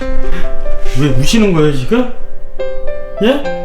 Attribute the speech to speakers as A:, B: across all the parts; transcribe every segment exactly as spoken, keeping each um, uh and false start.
A: 왜 우시는 거예요 지금? 예?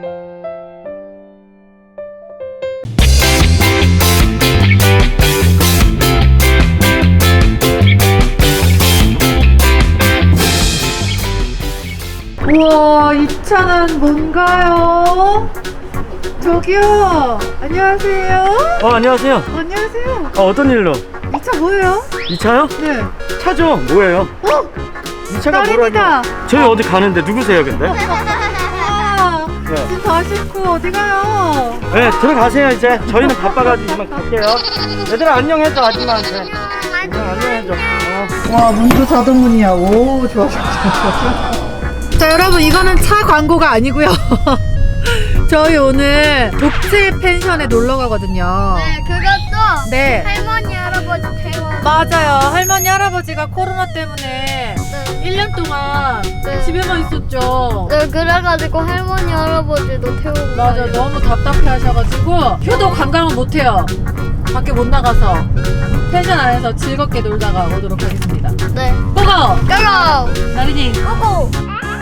B: 우와, 이 차는 뭔가요? 저기요, 안녕하세요.
A: 어 안녕하세요.
B: 안녕하세요.
A: 어, 어떤 일로?
B: 이 차 뭐예요?
A: 이 차요?
B: 네.
A: 차죠? 뭐예요?
B: 어?
A: 이 차가
B: 딸입니다.
A: 뭐라고? 저희 어디 가는데 누구세요 근데?
B: 아,
A: 네.
B: 지금 다 싣고 어디 가요?
A: 네 들어가세요 이제. 저희는 바빠가지고 이만 갈게요. 얘들아 안녕해줘 아줌마한테. 얘들아 안녕해줘. 어.
B: 와, 문도 자동문이야. 오, 좋아, 좋아, 좋아. 자, 여러분, 이거는 차 광고가 아니고요. 저희 오늘 독채 펜션에 놀러 가거든요.
C: 네, 그것도
B: 네.
C: 할머니 할아버지 태워.
B: 맞아요. 할머니 할아버지가 코로나 때문에
C: 네.
B: 일 년 동안
C: 네.
B: 집에만 있었죠.
C: 네, 그래가지고 할머니 할아버지도 태우고.
B: 맞아,
C: 가요.
B: 너무 답답해 하셔가지고 효도 관광을 못해요. 밖에 못 나가서 펜션 안에서 즐겁게 놀다가 오도록 하겠습니다.
C: 네.
B: 고고!
C: 고고.
B: 나린이.
C: 고고.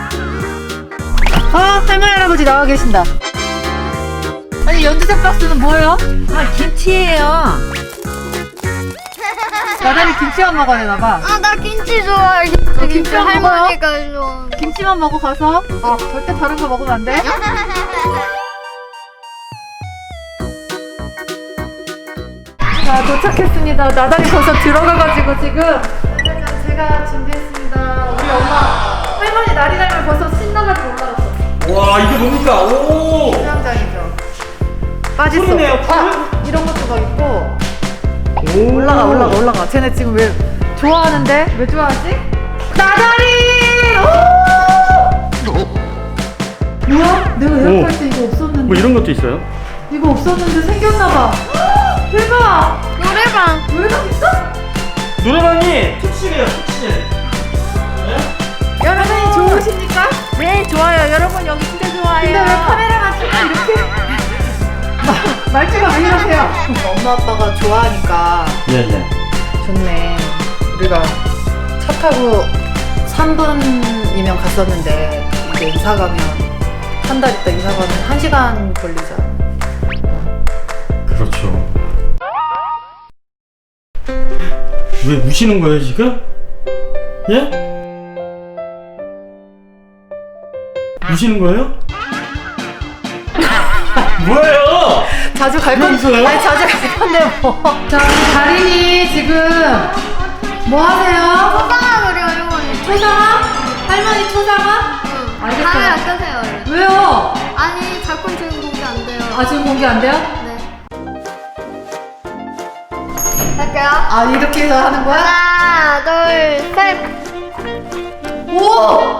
B: 어, 할머니 할아버지 나와 계신다. 아니, 연두색 박스는 뭐예요? 아, 김치예요. 나단이 김치만 먹어야 되나봐.
C: 아, 나 김치 좋아해. 김치
B: 김치만
C: 할머니가 좋아.
B: 김치만 먹어 가서. 어, 절대 다른 거 먹으면 안 돼. 자, 도착했습니다. 나단이 벌써 들어가가지고 지금. 짜잔, 제가 준비했습니다. 우리 엄마 할머니 나리날면 벌써 신나가지고 올라갔어.
A: 와 이게 뭡니까? 오.
B: 수영장이죠. 빠질 수
A: 풀이네요,
B: 없어.
A: 풀?
B: 아, 이런 것도 막 있고.
A: 오.
B: 올라가 올라가 올라가. 쟤네 지금 왜 좋아하는데? 왜 좋아하지? 나다리! 오! 뭐야? 내가 예약할 때 이거 없었는데.
A: 뭐 이런 것도 있어요?
B: 이거 없었는데 생겼나봐. 대박!
C: 노래방.
B: 노래방 있어?
A: 노래방이 특실이에요 특실.
B: 여러분이 좋으십니까?
C: 네, 좋아요. 여러분 여기 진짜 좋아요.
B: 근데 왜 카메라만 찍고 이렇게 마- 말투가 왜 이러세요? 엄마 아빠가 좋아하니까
A: 네네.
B: 좋네. 우리가 차 타고 삼 분이면 갔었는데 이제 이사 가면 한 달 있다 이사 가면 한 시간 걸리잖아.
A: 그렇죠. 왜 우시는 거예요 지금? 예? 우시는 거예요? 뭐예요?
B: 자주 갈 건,
A: 있어요?
B: 아니 자주 갈 건데 뭐. 자, 우리 다린이 지금 뭐 하세요?
C: 초상화 그려 할머니.
B: 초상화? 할머니 초상화?
C: 응.
B: 알겠어요.
C: 카메라 끄세요. 얼른.
B: 왜요?
C: 아니, 작품 지금 공개 안 돼요.
B: 아, 지금 공개 안 돼요?
C: 네. 할게요.
B: 아, 이렇게 해서 하는 거야?
C: 하나, 둘, 셋.
B: 오!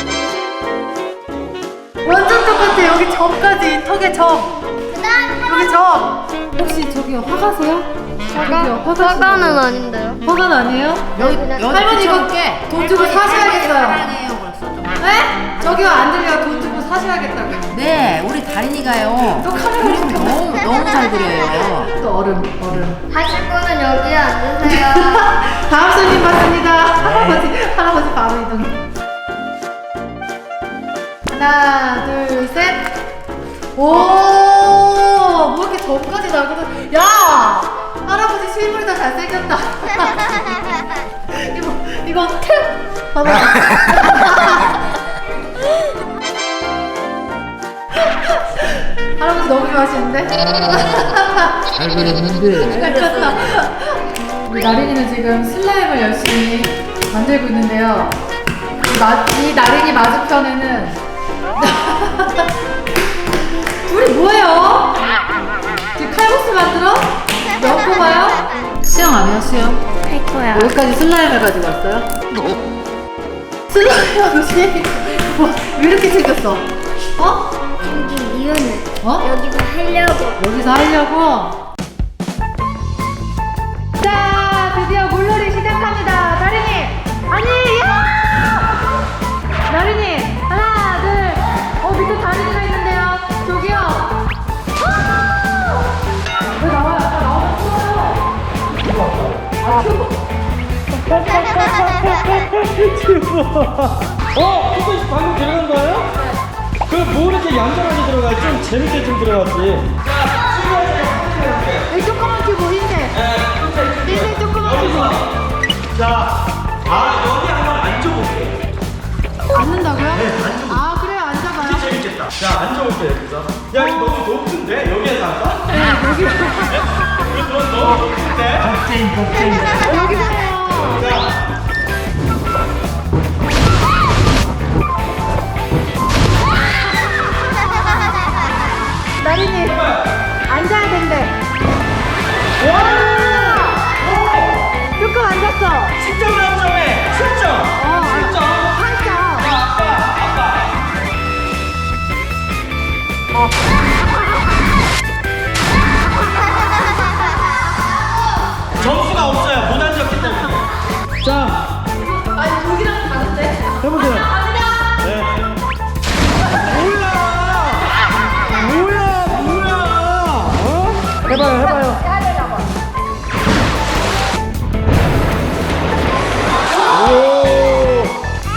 B: 완전 똑같아. 여기 점까지. 턱에 점. 여기 점. 혹시 저기 화가세요? 저기요, 화가
C: 화가는 아닌데요.
B: 화관 아니에요?
C: 여기 그냥
B: 할머니 이거 돈 주고 사셔야겠어요. 네? 저기요, 안 들려요. 돈 주고 사셔야겠다고.
D: 네, 우리 다린이가요.
B: 또 카메라
D: 그림
B: 좀
D: 너무 너무 잘 그려요.
B: 또 얼음, 얼음.
C: 하실 분은 여기에 앉으세요.
B: 다음 손님 받습니다. 할아버지, 할아버지 바로 이동해. 하나, 둘, 셋. 오, 뭐 이렇게 점까지 나거든. 야, 할아버지 실물이 더 잘생겼다. 이거, 이거 탭. 봐봐. 할아버지 너무 좋아하시는데?
D: 잘 그렸는데.
B: 우리 나린이는 지금 슬라임을 열심히 만들고 있는데요. 이, 마, 이 나린이 맞은편에는 둘이 뭐예요? 지금 칼국수 만들어? 몇 뽑아요? 수영 안 해요, 수영?
C: 할 거야.
B: 여기까지 슬라임을 가지고 왔어요? 슬라임하고 수영이 뭐, 왜 이렇게 생겼어? 어?
C: 여기 이유는
B: 어?
C: 여기서 하려고.
B: 여기서 하려고? 자, 드디어 물놀이 시작합니다. 나린이! 아니, 야! 나린이, 하나, 둘. 어, 밑에 다린이가 있는데요. 저기요. 아! 왜 나와요? 아까 나오면 추워요. 아, 추워.
A: 추워. 어? 초콜릿 방금 들어간 거예요? 그럼 뭐 이렇게 얌전하게 들어가요? 좀 재밌게 좀 들어갔지.
B: 이 조그만 큐브 흰색. 흰색 조그만 큐브.
A: 자, 아 여기 한번 앉아볼게요.
B: 앉는다고요?
A: 네, 앉아볼게요.
B: 아 그래요, 앉아봐요.
A: 진짜 재밌겠다. 자, 앉아볼게요 여기서. 야, 이거 너무 높은데? 여기에서 앉아?
B: 네, 여기.
A: 이거 너무 높은데?
D: 겁쟁이 겁쟁이.
B: 여기 보세요.
A: 자.
B: 나린이 앉아야 된대.
A: 와!
B: 조금 앉았어.
A: 십 점 만점에 칠 점.
B: 어,
A: 칠 점.
B: 팔 점.
A: 아빠, 아빠. 점수가 없어요. 못 앉았기 때문에. 자,
B: 아니 여기랑 다른데?
A: 해보세요. 네. 뭐야? 뭐야? 뭐야? 어? 해봐요, 해봐요. 오.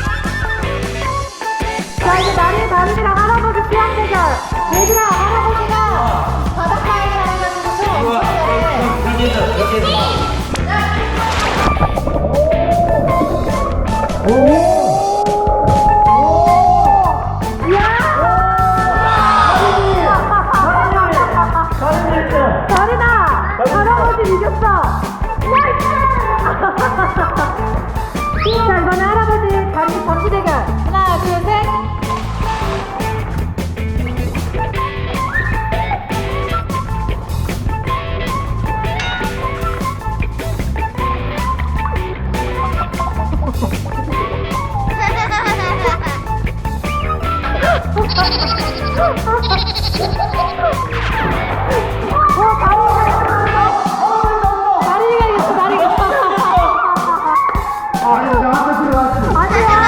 B: 자 이제 나린이 다른이랑 할아버지 수학 대결. 얘들아 할아버지가 바닷가에 가가지고 수학
A: 우와.
B: 엄청 잘해.
A: 여기서, 여기서.
B: 다리다! 할아버지 이겼어! 자 이번에 할아버지 다리 점수 대결 하나 둘셋 다리가 이겼어 다리가
A: 아니, 나한테 들어왔지.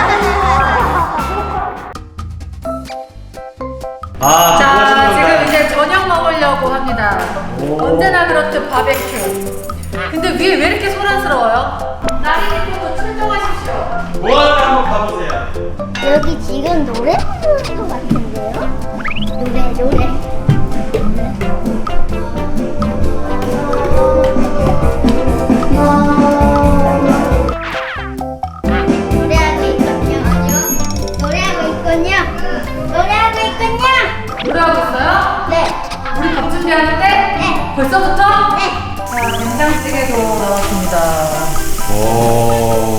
A: 아,
B: 자 지금 이제 저녁 먹으려고 합니다. 언제나 그렇듯 바베큐. 근데 위에 왜 이렇게 소란스러워요? 나린이부터 출동하십시오.
A: 뭐하러 한번 가보세요.
C: 여기 지금 노래 부르는 것 같은데요? 노래 노래. 노래하고 있군요. 노래하고 있군요. 노래하고 있군요.
B: 노래하고 있어요?
C: 네.
B: 우리 밥 준비하는데?
C: 네.
B: 벌써부터?
C: 네.
B: 자 된장찌개도 나왔습니다.
A: 오.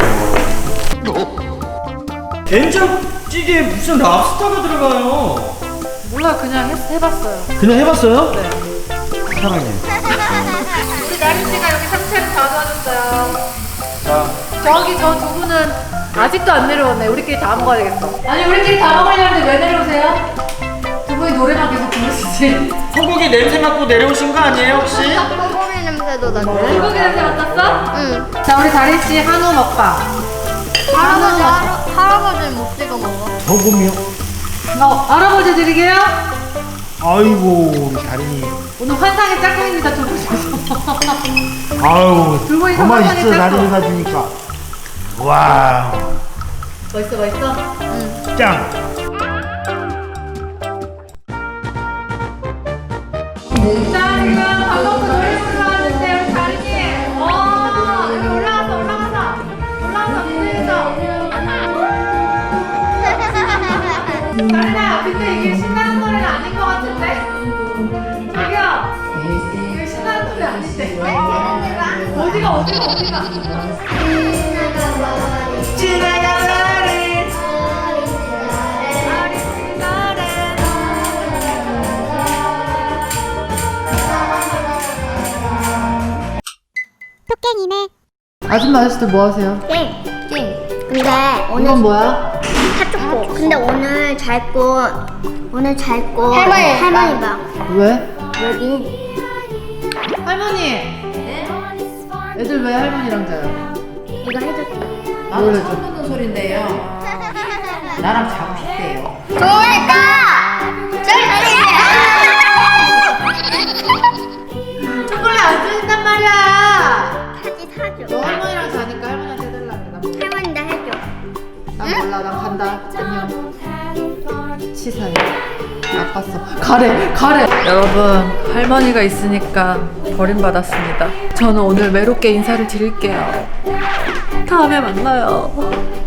A: 된장찌개에 무슨 랍스타가 들어가요?
B: 몰라 그냥 해, 해봤어요.
A: 그냥 해봤어요?
B: 네.
A: 사랑해.
B: 우리 나린씨가 여기 상체를 다 도와줬어요.
A: 자,
B: 저기 저 두 분은 아직도 안 내려왔네. 우리끼리 다 먹어야겠어. 아니 우리끼리 다 먹으려는데 왜 내려오세요? 두 분이 노래만 계속 부르시지.
A: 소고기 냄새 맡고 내려오신 거 아니에요 혹시?
C: 소고기 냄새도 나죠.
B: 소고기 냄새 맡았어?
C: 응.
B: 자 우리 다린씨 한우 먹방.
C: 할아버지 할아, 할아버지는 못 찍어 먹어.
A: 소금이요?
B: 어, 할아버지 드리게요.
A: 아이고 우리 다린이.
B: 오늘 환상의 짝꿍입니다 두 분이서.
A: 아유
B: 두 분이서
A: 가만히
B: 환상의
A: 있어
B: 짝꿍.
A: 다린이가 주니까. 와,
B: 멋있어 멋있어.
A: 짱.
B: 자 지금 방금부터 노래 부르러 왔는데 우리 다린이. 어 여기 올라가서 올라가서 올라가서 무대에서. 다린아 근데 이게 신나는 노래가 아닌 것 같은데? 저기요 이거 신나는 노래 아닌데? 어디가 어디가 어디가 지나가버린 어린 날엔
C: 토깽이네.
B: 아줌마 아저씨들 뭐 하세요?
C: 땡. 땡. 근데 오늘
B: 이건 뭐야?
C: 핫초코. 근데 오늘 잘 거 오늘 잘 거 할머니 할머니 봐.
B: 왜?
C: 여기
B: 할머니 애들 왜 할머니랑 자요?
C: 이거 해줬다.
D: 나도 처음 듣는 소린데요. 나랑 자고 싶대요.
C: 좋을까?
B: 초콜릿 안 주신단 말이야.
C: 사지 사줘.
B: 너 할머니랑 자니까 할머니한테 해달라 그래.
C: 할머니 나 해줘.
B: 난 몰라 난 간다. 자, 안녕. 치사해. 나빴어. 가래, 가래. 여러분, 할머니가 있으니까 버림받았습니다. 저는 오늘 외롭게 인사를 드릴게요. 다음에 만나요.